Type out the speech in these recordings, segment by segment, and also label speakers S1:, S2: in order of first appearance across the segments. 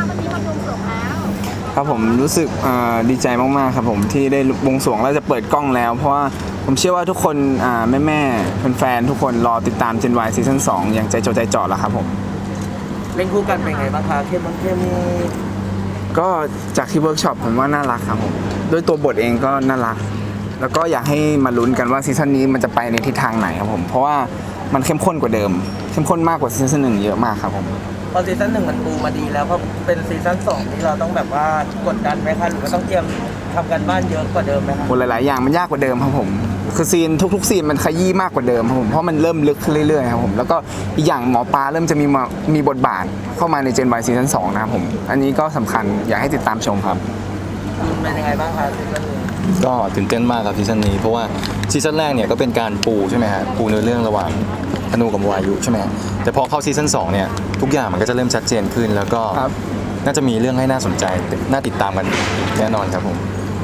S1: วันนี้มาบวงสรวงแล้ว
S2: ครับผมรู้สึกดีใจมากๆครับผมที่ได้บวงสรวงแล้วจะเปิดกล้องแล้ว เพราะว่าผมเชื่อว่าทุกคนแม่ๆแฟนๆทุกคนรอติดตาม Gen Y ซีซั่น2อย่างใจจดใจจ่อแล้วครับผม
S3: เล่นคู่กันเป็นไงบ้างคะเคมี
S2: ก็จากที่เวิร์กช็อปผมว่าน่ารักครับผมด้วยตัวบทเองก็น่ารัก แล้วก็อยากให้มาลุ้นกันว่าซีซั่นนี้มันจะไปในทิศทางไหนครับผมเพราะว่ามันเข้มข้นกว่าเดิมเข้มข้นมากกว่าซีซั่น1เยอะมากครับผม
S3: พอซีซั่น1มันปูมาดีแล้วพอเป็นซีซั่น2นี่เราต้องแบบว่ากดดันไหมคะหรือว่าต้องเตรียมทำกันบ้านเยอะกว่าเดิมไหมคะ
S2: หลายๆอย่างมันยากกว่าเดิมครับผมคือซีนทุกๆซีนมันขยี้มากกว่าเดิมครับผมเพราะมันเริ่มลึกขึ้นเรื่อยๆครับผมแล้วก็อีกอย่างหมอปลาเริ่มจะมีบทบาทเข้ามาใน Gen Y ซีซั่น2นะครับผมอันนี้ก็สำคัญอยากให้ติดตามชมครับ
S3: คุณเป็นยังไงบ้างคะซีซั่นนี้
S4: ก็ตื่นเต้นมากครับซีซั่นนี้เพราะว่าซีซั่นแรกเนี่ยก็เป็นการปูใช่ไหมฮะปูเนื้อเรื่องระหว่างธนูกับวายุใช่ไหมฮะแต่พอเข้าซีซั่น2เนี่ยทุกอย่างมันก็จะเริ่มชัดเจนขึ้น แล้วก็
S2: ครับ
S4: น่าจะมีเรื่องให้น่าสนใจน่าติดตามกันแน่นอนครับผม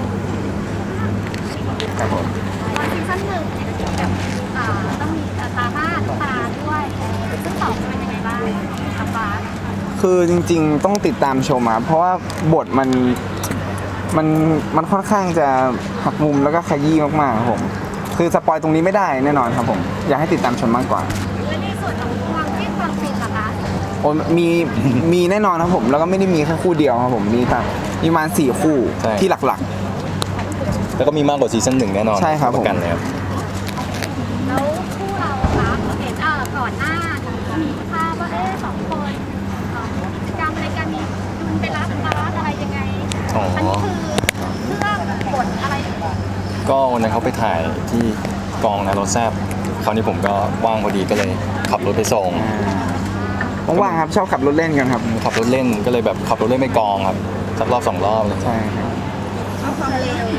S2: ครับผม
S1: ตอนซีซั่นหนึ่งต้องมีตาบ้านตาด้วยซึ่งสองจะเป็นยังไงบ้างอาฟ้า
S2: คือจริงๆต้องติดตามชมครับเพราะว่าบทมันค่อนข้างจะหักมุมแล้วก็ขยี้มากๆครับผมคือสปอยตรงนี้ไม่ได้แน่นอนครับผมอยากให้ติดตามชมมากกว่า
S1: และในส่วนของความที่ความฟินล่ะคะ
S2: โอ้มีแน่นอนครับผมแล้วก็ไม่ได้มีแค่คู่เดียวครับผมมีประมาณ4คู่
S4: ใช่
S2: ที่หลัก
S4: แล้วก็มีมากกว่าซีซั่น1แน่นอน
S2: ใช่ครับผม
S4: ประกันเลยครับ
S1: แล้วคู่เราคะเห็นก่อนหน้ามีภาพว่าสองคนกิจกรรมอะไรกันมีคุณไปรับบาสอะไรยังไง
S4: อ๋ออั
S1: อันนี้คือเรื่องบทอะไร
S4: ก็วันนั้นเขาไปถ่ายที่กองนะรถแซบคราวนี้ผมก็ว่างพอดีก็เลยขับรถไปส่ง
S2: ๆว่างๆครับชอบขับรถเล่นกันครับ
S4: ขับรถเล่นก็เลยแบบขับรถเล่นไปกองครับสักรอบ2 รอบเลย
S2: ใช่ครับ
S1: เอาความเร็ว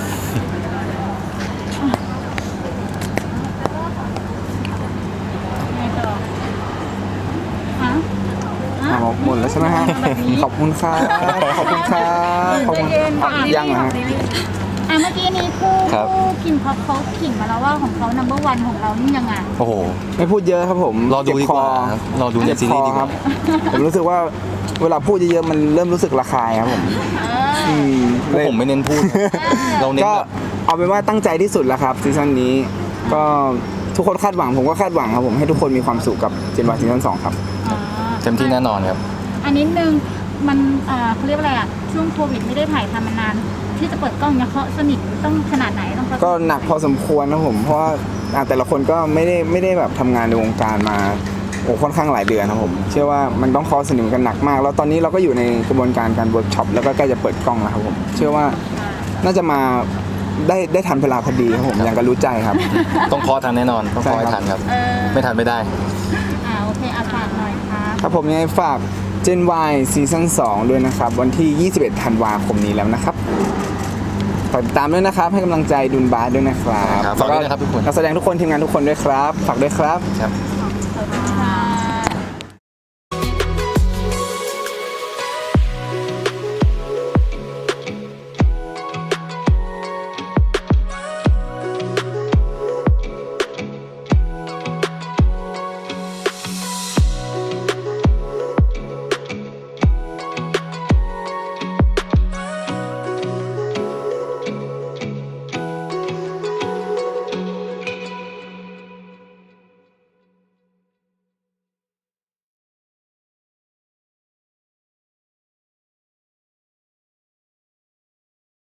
S2: หมดแล้วใช่ไหมฮะขอบคุณครับขอบคุณครับขอบคุณยังเหรอฮะ
S1: เมื่อกี้นี้คู่
S4: ครับ
S1: คิมเขาขิงมาแล้วว่าของเขา number one ของเรานี่ยังไง
S4: โอ้โห
S2: ไม่พูดเยอะครับผม
S4: รอดูดีกว่าครับรอดูใน
S2: เจ็บ
S4: ซี
S2: ค
S4: รี
S2: อ
S4: ส์ดีก
S2: ค
S4: ว่า
S2: รับผมรู้สึกว่าเวลาพูดเยอะๆมันเริ่มรู้สึกระคายครับผม
S4: พวก
S2: เลย
S4: ผมไม่เน้นพูด เราเน้น
S2: ก็
S4: แบบ
S2: เอาเป็นว่าตั้งใจที่สุดแล้วครับซีซั่นนี้ก็ทุกคนคาดหวังผมก็คาดหวังครับผมให้ทุกคนมีความสุขกับGen Yซีซั่น2ครับ
S4: เต็มที่แน่นอนครับ
S1: อันนี้นึงมันเขาเรียกว่าอะไรช่วงโควิดไม่ได้ถ่ายทำมานาน ที่จะเปิดกล้องเนี่ยเขาสนิทต้องขนาดไหนต้องเขา
S2: ก็หนักพอสมควรนะผมเพราะว่าแต่ละคนก็ไม่ได้แบบทำงานในวงการมาค่อนข้างหลายเดือนนะผมเชื่อว่ามันต้องคอสนิทกันหนักมาก แล้วตอนนี้เราก็อยู่ในกระบวนการเวิร์กช็อปแล้วก็ใกล้จะเปิดกล้องแล้วครับผมเชื่อว่าน่าจะมาได้ทันเวลาพอดีครับผมอย่างก็รู้ใจครับ
S4: ต้องคอทันแน่นอนต้องคอให้ทันครับ ไม่ทันไม่ได้
S1: โอเคฝากหน่อยค่ะ
S2: ครับผมยังไงฝาก Gen Y ซีซั่น2ด้วยนะครับวันที่ 21 ธันวาคมนี้แล้วนะครับฝากติดตามด้วยนะครับให้กำลังใจดุนบาสด้วยนะครับ
S4: ครับฝากด้วยนะครับทุกคน
S2: นักแสดงทุกคนทีมงานทุกคนด้วยครับฝากด้วยครับ
S4: ครับ
S1: ขอบคุณค่ะ